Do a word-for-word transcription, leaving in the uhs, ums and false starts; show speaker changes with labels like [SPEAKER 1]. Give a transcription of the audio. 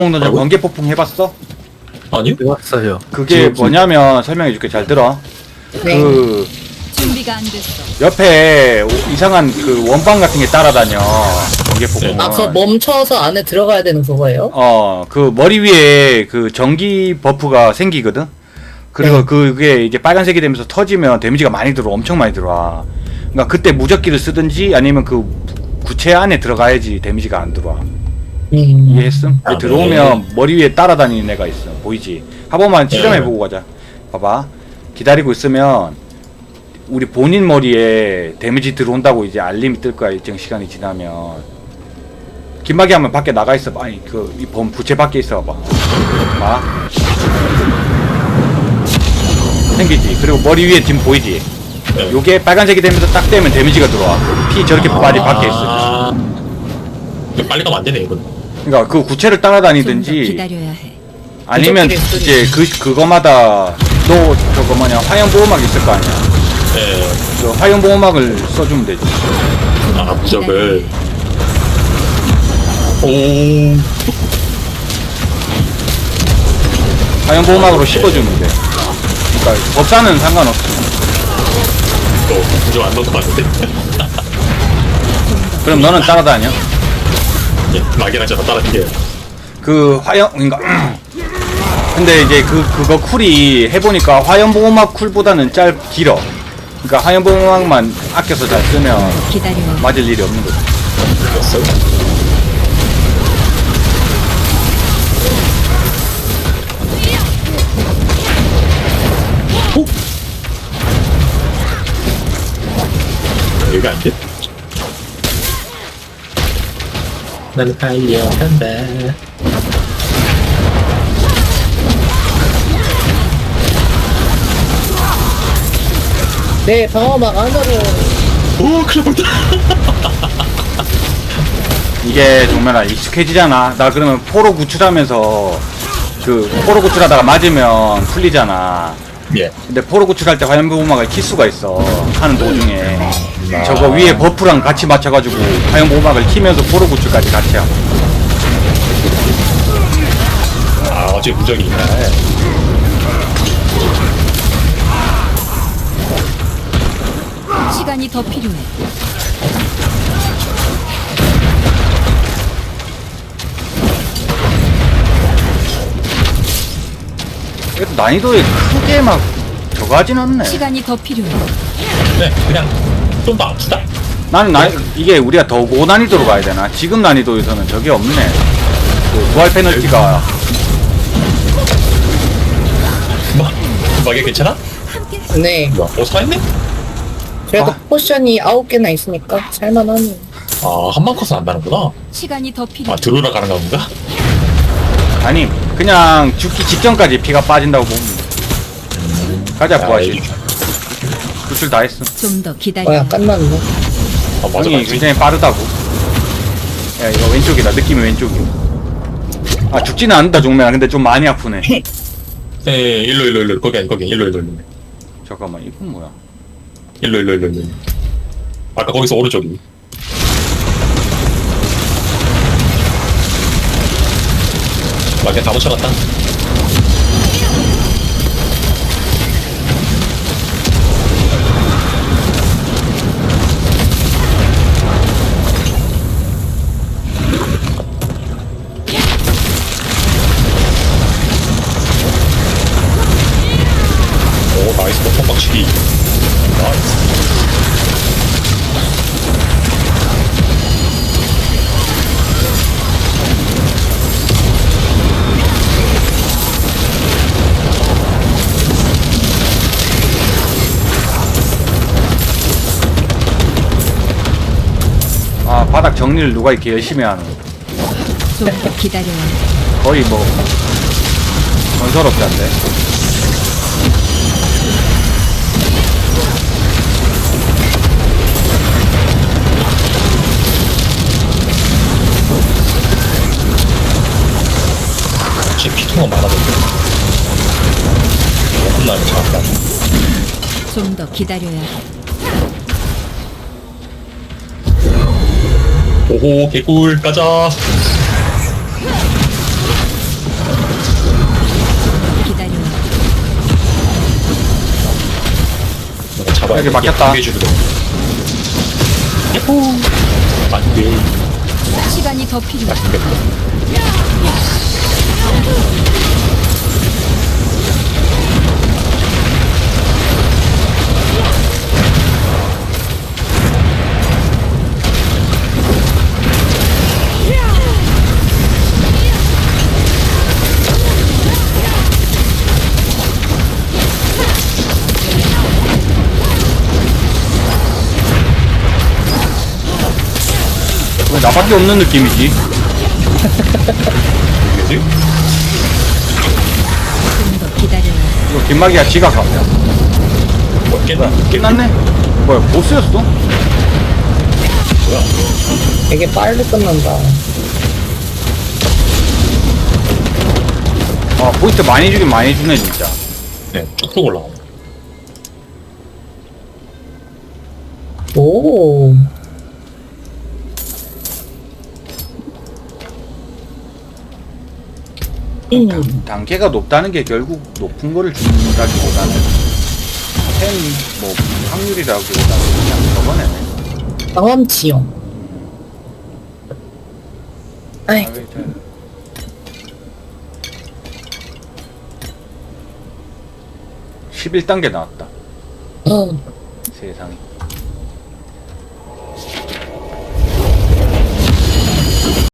[SPEAKER 1] 너 저 번개 폭풍 해봤어?
[SPEAKER 2] 아니요?
[SPEAKER 3] 해봤어요.
[SPEAKER 1] 그게 뭐냐면 설명해줄게. 잘 들어.
[SPEAKER 4] 네.
[SPEAKER 1] 그
[SPEAKER 5] 준비가 안 됐어.
[SPEAKER 1] 옆에 오- 이상한 그 원방 같은 게 따라다녀. 번개 폭풍.
[SPEAKER 4] 아, 그거 멈춰서 안에 들어가야 되는 그거예요?
[SPEAKER 1] 어, 그 머리 위에 그 전기 버프가 생기거든. 그리고
[SPEAKER 4] 네.
[SPEAKER 1] 그게 이제 빨간색이 되면서 터지면 데미지가 많이 들어, 엄청 많이 들어와. 그러니까 그때 무적기를 쓰든지 아니면 그 구체 안에 들어가야지 데미지가 안 들어와.
[SPEAKER 4] 음.
[SPEAKER 1] 이해했음?
[SPEAKER 2] 아,
[SPEAKER 1] 들어오면 머리 위에 따라다니는 애가 있어. 보이지? 한 번만 실험해보고 가자. 봐봐. 기다리고 있으면 우리 본인 머리에 데미지 들어온다고 이제 알림이 뜰 거야. 일정 시간이 지나면. 김막이 하면 밖에 나가 있어. 아니 그 이 범 부채 밖에 있어 봐. 봐. 생기지. 그리고 머리 위에 지금 보이지?
[SPEAKER 2] 네.
[SPEAKER 1] 요게 빨간색이 되면서 딱 되면 데미지가 들어와. 피 저렇게 빨리 밖에 있어.
[SPEAKER 2] 아, 이거 빨리 가면 안 되네, 이건.
[SPEAKER 1] 그러니까 그 구체를
[SPEAKER 5] 좀 더
[SPEAKER 1] 따라다니든지
[SPEAKER 5] 기다려야 해.
[SPEAKER 1] 아니면
[SPEAKER 4] 무적기를
[SPEAKER 1] 이제 그 그거마다 너 저거 뭐냐 화염 보호막 있을 거 아니야.
[SPEAKER 2] 예.
[SPEAKER 1] 그 화염 보호막을 써주면 되지.
[SPEAKER 2] 아, 무적을. 오.
[SPEAKER 1] 화염 보호막으로 씹어주면 돼. 그러니까 법사는 상관없어.
[SPEAKER 2] 또, 무적 안 넣은 것 같은데?
[SPEAKER 1] 그럼 너는 따라다녀.
[SPEAKER 2] 예, 막이랑 저랑 따라갈게요.
[SPEAKER 1] 그 화염 그러니까 근데 이제 그 그거 쿨이 해보니까 화염 보호막 쿨보다는 짧 길어. 그러니까 화염 보호막만 아껴서 잘 쓰면
[SPEAKER 5] 기다려야 해.
[SPEAKER 1] 맞을 일이 없는 거지.
[SPEAKER 2] 됐어요? 오? 여기 안 돼? 나는 달려간다.
[SPEAKER 4] 네, 방어막 안으로.
[SPEAKER 2] 오, 큰일 났다.
[SPEAKER 1] 이게 정말 익숙해지잖아. 나 그러면 포로 구출하면서 그 포로 구출하다가 맞으면 풀리잖아.
[SPEAKER 2] 예.
[SPEAKER 1] 근데 포로 구출할 때 화염 보호막을 킬 수가 있어. 하는 도중에 저거 위에 버프랑 같이 맞춰가지고 화염 보호막을 키면서 포로 구출까지 같이 하고.
[SPEAKER 2] 아, 어제 무적이 있나?
[SPEAKER 5] 시간이 더 필요해.
[SPEAKER 1] 그래도 난이도에 크게 막 저거 하진 않네.
[SPEAKER 5] 시간이 더 필요해.
[SPEAKER 2] 네, 그냥 좀 더 아프다.
[SPEAKER 1] 나는 나 이게 우리가 더 고난이도로 가야 되나? 지금 난이도에서는 저게 없네. 그 부활 페널티가
[SPEAKER 2] 뭐, 막이 괜찮아?
[SPEAKER 4] 네.
[SPEAKER 2] 뭐야, 어, 살았네?
[SPEAKER 4] 그래도
[SPEAKER 1] 아.
[SPEAKER 4] 포션이 아홉 개나 있으니까 살만하네.
[SPEAKER 2] 아, 한방 컷은 안 나는구나.
[SPEAKER 5] 시간이 더 필요해.
[SPEAKER 2] 아, 들어오라 가는 건가?
[SPEAKER 1] 아니 그냥 죽기 직전까지 피가 빠진다고 보면 돼. 가자 부활실. 구출 다 했어.
[SPEAKER 5] 좀 더
[SPEAKER 4] 어,
[SPEAKER 5] 기다려.
[SPEAKER 4] 약간 맞네.
[SPEAKER 2] 아, 맞아,
[SPEAKER 1] 형이
[SPEAKER 2] 맞지.
[SPEAKER 1] 굉장히 빠르다고. 야 이거 왼쪽이다. 느낌이 왼쪽이야. 아 죽지는 않는다 종면아. 근데 좀 많이 아프네.
[SPEAKER 2] 예, 예, 일로, 일로, 일로. 거기 아니, 거기. 일로, 일로, 일로.
[SPEAKER 1] 잠깐만 이건 뭐야?
[SPEAKER 2] 일로, 일로, 일로, 일로. 아까 거기서 오른쪽이. 막에 다 붙여놨다. 오, 나이스. 보통 박치기. 나이스.
[SPEAKER 1] 아 바닥 정리를 누가 이렇게 열심히 하는?
[SPEAKER 5] 좀 더 기다려야 해.
[SPEAKER 1] 거의 뭐 건설업자인데.
[SPEAKER 2] 지금 피통은 많아졌네. 끝나면 잘한다.
[SPEAKER 5] 좀 더 기다려야 해.
[SPEAKER 2] 오호 개꿀 가자. 잡아야
[SPEAKER 1] 여기
[SPEAKER 2] 돼.
[SPEAKER 1] 막혔다.
[SPEAKER 2] 두개 주거든. 야호. 안돼.
[SPEAKER 5] 시간이 더 필요해.
[SPEAKER 1] 왜 나밖에 없는 느낌이지?
[SPEAKER 2] 이게지?
[SPEAKER 5] 좀 더 기다려야 해.
[SPEAKER 1] 이거 김마기가 지가 가.
[SPEAKER 2] 뭐 깼나?
[SPEAKER 1] 끝났네? 뭐야, 보스였어?
[SPEAKER 2] 뭐야?
[SPEAKER 4] 되게 빨리 끝난다.
[SPEAKER 1] 아, 포인트 많이 주긴 많이 주네, 진짜.
[SPEAKER 2] 네, 쭉쭉 올라가.
[SPEAKER 4] 오. 음.
[SPEAKER 1] 단계가 높다는 게 결국 높은 거를 준다기보다는 템, 뭐, 확률이라기보다는 그냥 저거네.
[SPEAKER 4] 경험치용. 아이,
[SPEAKER 1] 아, 저- 십일 단계 나왔다.
[SPEAKER 4] 어.
[SPEAKER 1] 세상에.